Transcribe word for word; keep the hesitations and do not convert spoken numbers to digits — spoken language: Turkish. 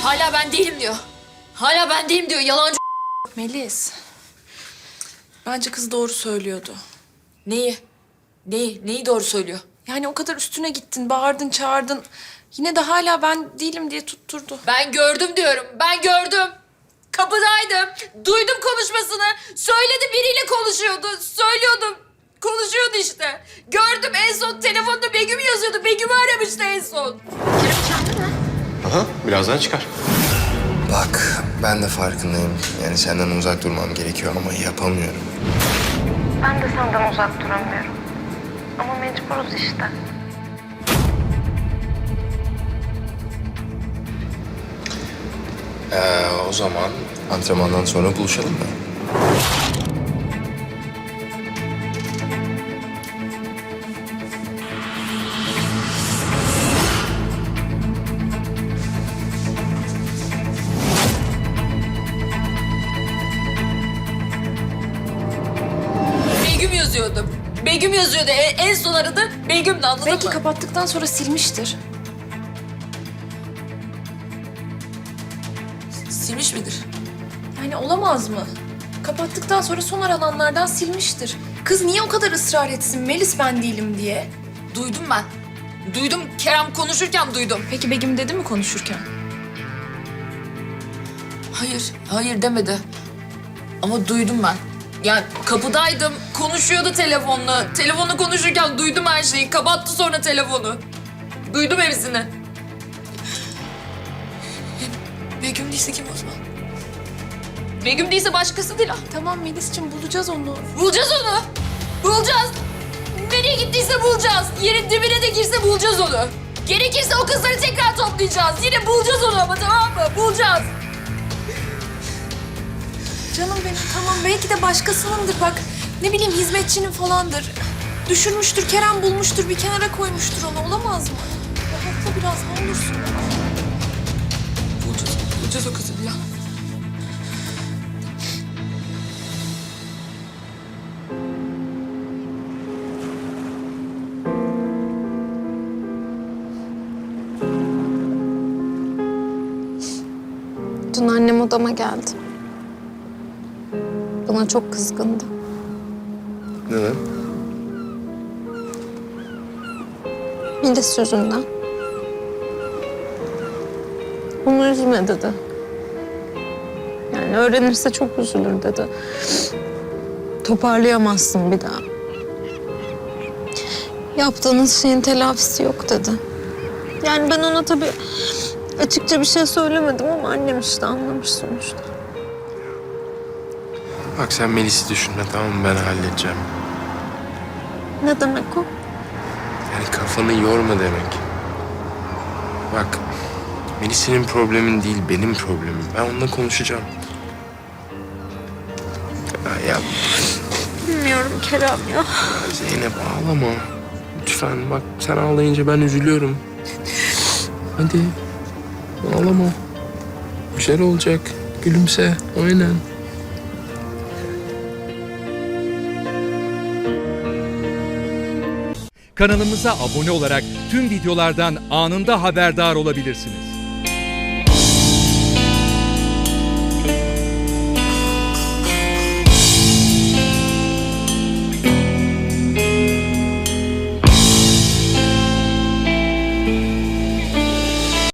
Hala ben değilim diyor. Hala ben değilim diyor. Yalancı. Melis. Bence kız doğru söylüyordu. Neyi? Neyi? Neyi doğru söylüyor? Yani o kadar üstüne gittin, bağırdın, çağırdın. Yine de hala ben değilim diye tutturdu. Ben gördüm diyorum. Ben gördüm. Kapıdaydım. Duydum konuşmasını. Söyledi, biriyle konuşuyordu. Söylüyordum. Konuşuyordu işte. Gördüm, en son telefonda Begüm yazıyordu. Begüm'ü aramıştı en son. Aha, birazdan çıkar. Bak, ben de farkındayım. Yani senden uzak durmam gerekiyor ama yapamıyorum. Ben de senden uzak duramıyorum. Ama mecburuz işte. Ee, o zaman antrenmandan sonra buluşalım mı? Begüm yazıyordu. Begüm yazıyordu. E- En son aradı. Begüm'dü, anladın Belki mı? kapattıktan sonra silmiştir. Silmiş midir? Yani olamaz mı? Kapattıktan sonra son arananlardan silmiştir. Kız niye o kadar ısrar etsin Melis ben değilim diye? Duydum ben. Duydum. Kerem konuşurken duydum. Peki Begüm dedi mi konuşurken? Hayır, hayır demedi. Ama duydum ben. Yani kapıdaydım, konuşuyordu telefonla. Telefonla konuşurken duydum her şeyi. Kapattı sonra telefonu. Duydum hepsini. Begüm değilse kim o zaman? Begüm değilse başkası değil ha. Tamam Melis'ciğim bulacağız onu. Bulacağız onu. Bulacağız. Nereye gittiyse bulacağız. Yerin dibine de girse bulacağız onu. Gerekirse o kızları tekrar toplayacağız. Yine bulacağız onu ama, tamam mı? Bulacağız. Canım benim tamam belki de başkasınındır bak. Ne bileyim hizmetçinin falandır. Düşürmüştür, Kerem bulmuştur, bir kenara koymuştur onu. Olamaz mı? Rahatla biraz ne olursun. Bulacağız. Bulacağız o kızı ya. Dün annem odama geldi. Bana çok kızgındı. Neden? Melis yüzünden. Onu üzme dedi. Yani öğrenirse çok üzülür dedi. Toparlayamazsın bir daha. Yaptığınız şeyin telafisi yok dedi. Yani ben ona tabii açıkça bir şey söylemedim ama annem işte anlamış sonuçta. Bak sen Melis'i düşünme, tamam mı? Ben halledeceğim. Ne demek o? Yani kafanı yorma demek. Bak, Melis senin problemin değil, benim problemim. Ben onunla konuşacağım. Ya, ya Bilmiyorum Kerem ya. Zeynep ağlama. Lütfen bak, sen ağlayınca ben üzülüyorum. Hadi, ağlama. Bir şeyler olacak. Gülümse, aynen. Kanalımıza abone olarak tüm videolardan anında haberdar olabilirsiniz.